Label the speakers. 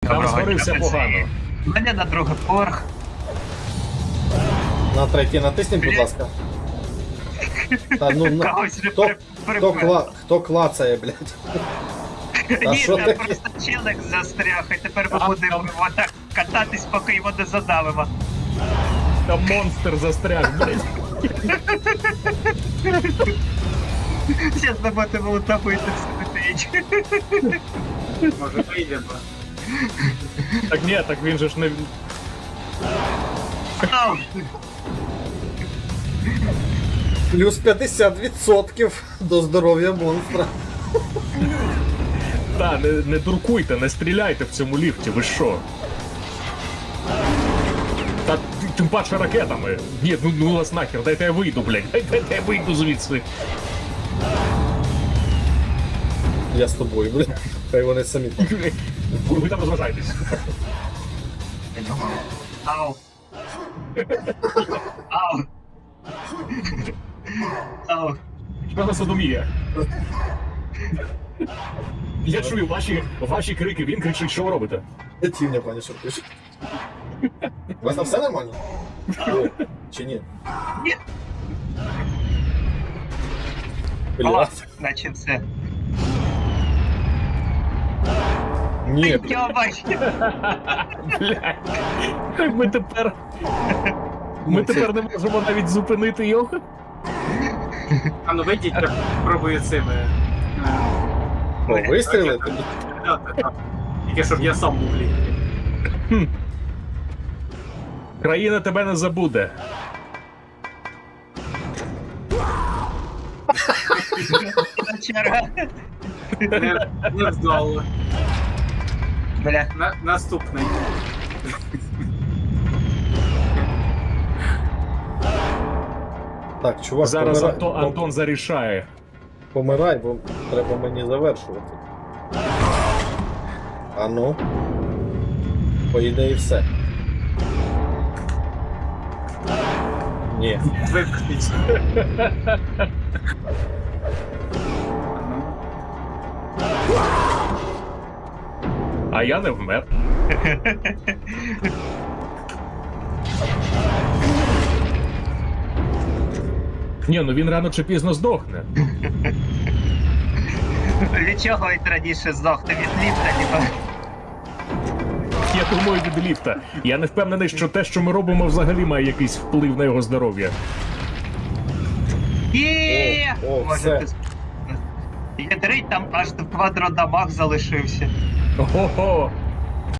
Speaker 1: Там згорився погано.
Speaker 2: У мене на другий поверх.
Speaker 3: На третій натисніть, будь ласка. Та ну,
Speaker 2: Когось вже
Speaker 3: хто клацає, блядь? Та
Speaker 2: Ні,
Speaker 3: що
Speaker 2: там
Speaker 3: таке?
Speaker 2: просто челик застряг, і тепер ми будемо отак кататись, поки його не задавимо.
Speaker 1: Там монстр застряг, блядь.
Speaker 2: Зараз не будемо утопити все.
Speaker 4: Може вийдемо.
Speaker 1: Так ні, так він же ж не...
Speaker 2: Ау!
Speaker 3: Плюс 50% до здоров'я монстра.
Speaker 1: Та, не дуркуйте, не стріляйте в цьому ліфті, ви що? Та тим паче ракетами. Ні, ну вас нахер, дайте я вийду, блядь. Дайте я вийду звідси.
Speaker 3: Я з тобою, блядь. Хай вони самі там.
Speaker 1: Ви там розважайтесь.
Speaker 2: Ау! Ау! Ау!
Speaker 1: Що за содомія? Я чую ваші крики, він кричить, що ви робите?
Speaker 3: Тівня, пані, що пише. У вас там все нормально? Чи ні?
Speaker 2: Ні.
Speaker 3: Блядь.
Speaker 2: Наче все.
Speaker 3: Ні, блядь.
Speaker 2: Йобач!
Speaker 1: Блядь. Ми тепер не можемо навіть зупинити його?
Speaker 4: А ну вийдіть, я пробую цими.
Speaker 3: О, вистрілити?
Speaker 4: Тільки щоб я сам був ліг.
Speaker 1: Країна тебе не забуде.
Speaker 2: Черга.
Speaker 4: Не вдало.
Speaker 2: Бля.
Speaker 4: Наступний.
Speaker 3: Так, чувак,
Speaker 1: Зараз
Speaker 3: помирай,
Speaker 1: Антон зарішає.
Speaker 3: помирай, бо треба мені завершувати. А ну. По ідеї все. Ні.
Speaker 4: Випустіть.
Speaker 1: А я не вмер. Ні, ну він рано чи пізно здохне.
Speaker 2: Від чого він раніше здохне? Від ліфта, ніби.
Speaker 1: Я думаю, від ліфта. Я не впевнений, що те, що ми робимо, взагалі має якийсь вплив на його здоров'я.
Speaker 2: Є!
Speaker 3: О,
Speaker 2: Може,
Speaker 3: все.
Speaker 2: ти... Ядрить, там аж квадродамаг залишився.
Speaker 1: Ого!